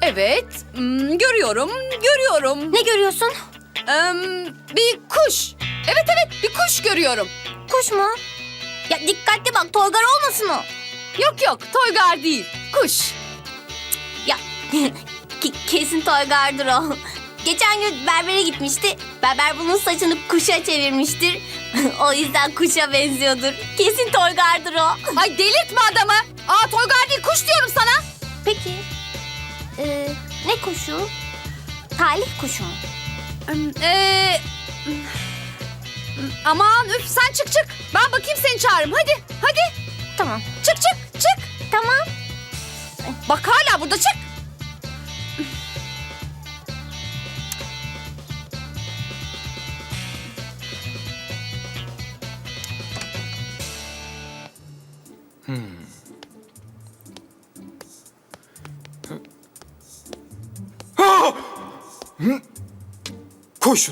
Evet, görüyorum. Ne görüyorsun? Bir kuş. Evet, bir kuş görüyorum. Kuş mu? Ya dikkatli bak, Toygar olmasın o. Yok, Toygar değil, kuş. Ya kesin Toygar'dır o. Geçen gün berbere gitmişti. Berber bunun saçını kuşa çevirmiştir. O yüzden kuşa benziyordur. Kesin Toygar'dır o. Ay delirtme adamı. Toygar değil, kuş diyorum sana. Peki, ne kuşu? Talih kuşu mu? Aman üf, sen çık. Ben bakayım, seni çağırırım. Hadi. Tamam. Çık. Tamam. Bak hala burada, çık. Koy şunu.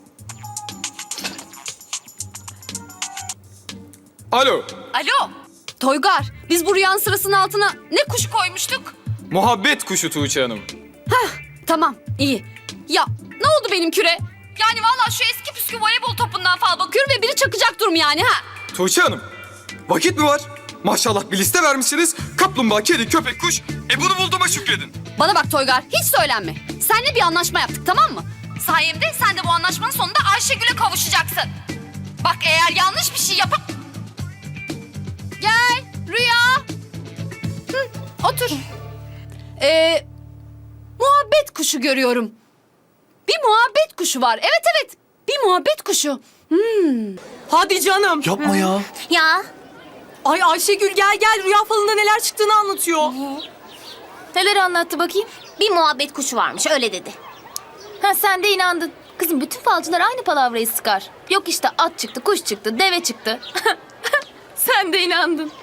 Alo. Toygar, biz bu rüyanın sırasının altına ne kuş koymuştuk? Muhabbet kuşu Tuğçe Hanım. Tamam, iyi. Ya ne oldu benim küre? Yani vallahi şu eski püskü voleybol topundan fal bakıyorum ve biri çakacak durum yani ha. Tuğçe Hanım. Vakit mi var? Maşallah bir liste vermişsiniz. Kaplumbağa, kedi, köpek, kuş. Bunu bulduğuma şükredin. Bana bak Toygar, hiç söylenme. Seninle bir anlaşma yaptık, tamam mı? Sayemde sen de bu anlaşmanın sonunda Ayşegül'e kavuşacaksın. Bak eğer yanlış bir şey yapıp... Gel Rüya. Otur. Muhabbet kuşu görüyorum. Bir muhabbet kuşu var. Evet. Bir muhabbet kuşu. Hadi canım. Yapma ya. Ya. Ay Ayşegül gel rüya falında neler çıktığını anlatıyor. Neler anlattı bakayım? Bir muhabbet kuşu varmış, öyle dedi. Ha sen de inandın. Kızım bütün falcılar aynı palavrayı sıkar. Yok işte at çıktı, kuş çıktı, deve çıktı. Sen de inandın.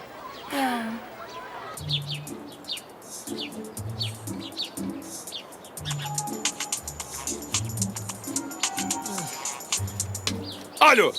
Alo.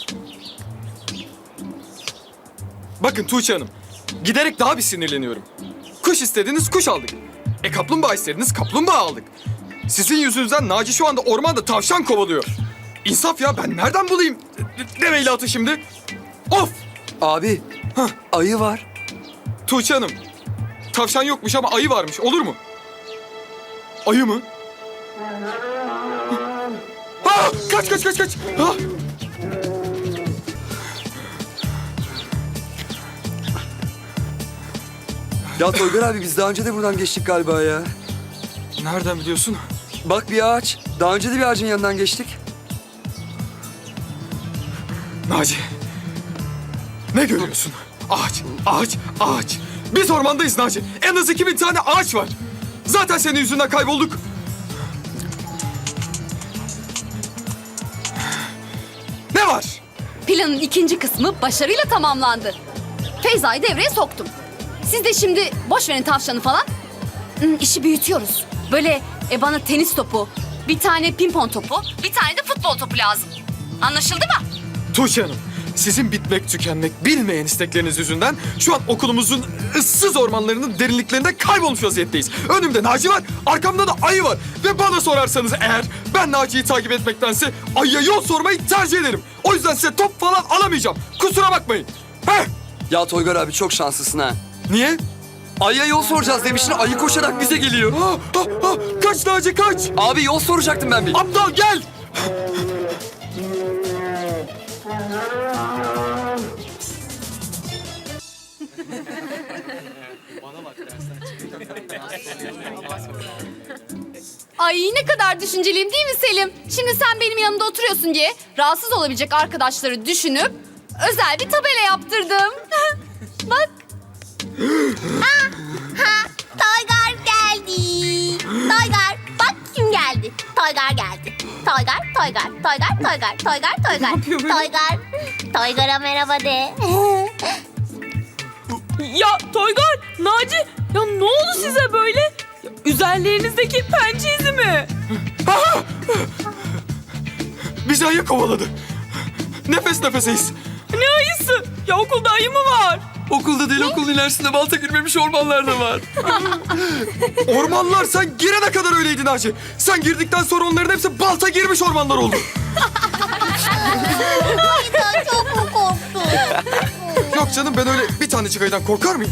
Bakın Tuğçe Hanım. Giderek daha bir sinirleniyorum. Kuş istediniz, kuş aldık. Kaplumbağa istediniz, kaplumbağa aldık. Sizin yüzünüzden Naci şu anda ormanda tavşan kovalıyor. İnsaf ya, ben nereden bulayım demeyle atı şimdi? Of! Abi, ayı var. Tuğçe Hanım, tavşan yokmuş ama ayı varmış, olur mu? Ayı mı? Ha! Kaç! Ha! Ya Toygar abi biz daha önce de buradan geçtik galiba ya. Nereden biliyorsun? Bak bir ağaç. Daha önce de bir ağacın yanından geçtik. Naci, ne görüyorsun? Ağaç. Biz ormandayız Naci. En az 2000 tane ağaç var. Zaten senin yüzünden kaybolduk. Ne var? Planın ikinci kısmı başarıyla tamamlandı. Feyza'yı devreye soktum. Siz de şimdi boş verin tavşanı falan. İşi büyütüyoruz. Böyle bana tenis topu, bir tane pimpon topu, bir tane de futbol topu lazım. Anlaşıldı mı? Tuğçe Hanım, sizin bitmek tükenmek bilmeyen istekleriniz yüzünden şu an okulumuzun ıssız ormanlarının derinliklerinde kaybolmuş vaziyetteyiz. Önümde Naci var, arkamda da ayı var. Ve bana sorarsanız eğer ben Naci'yi takip etmektense ayıya yol sormayı tercih ederim. O yüzden size top falan alamayacağım. Kusura bakmayın. Heh! Ya Toygar abi çok şanslısın ha. Niye? Ayıya yol soracağız demiştin, ayı koşarak bize geliyor. Kaç Naci kaç! Abi yol soracaktım ben bir. Aptal gel! Ay ne kadar düşünceliyim değil mi Selim? Şimdi sen benim yanımda oturuyorsun diye rahatsız olabilecek arkadaşları düşünüp özel bir tabela yaptırdım. Bak. Toygar geldi. Toygar, bak kim geldi. Toygar geldi. Toygar. Toygar'a merhaba de. Ya Toygar, Naci, ya ne oldu size böyle? Ya, üzerlerinizdeki pençe izi mi? Bizi ayı kovaladı. Nefes nefeseyiz. Ne ayısı? Ya okulda ayı mı var? Okulda değil, okulun ilerisinde balta girmemiş ormanlar da var. Ormanlar sen girene kadar öyleydi Naci. Sen girdikten sonra onların hepsi balta girmiş ormanlar oldu. Sen çok mu korktun? Yok canım, ben öyle bir tanecik ayıdan korkar mıyım?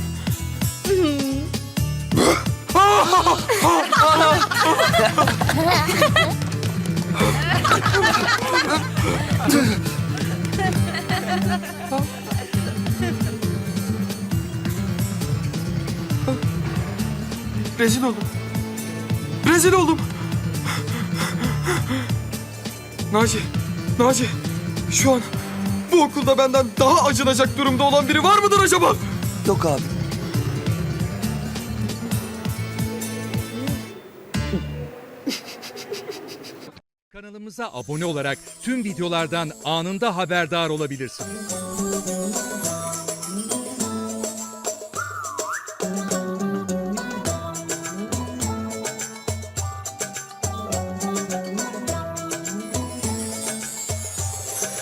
Rezil oldum. Rezil oldum. Naci, şu an bu okulda benden daha acınacak durumda olan biri var mıdır acaba? Yok abi. Kanalımıza abone olarak tüm videolardan anında haberdar olabilirsiniz.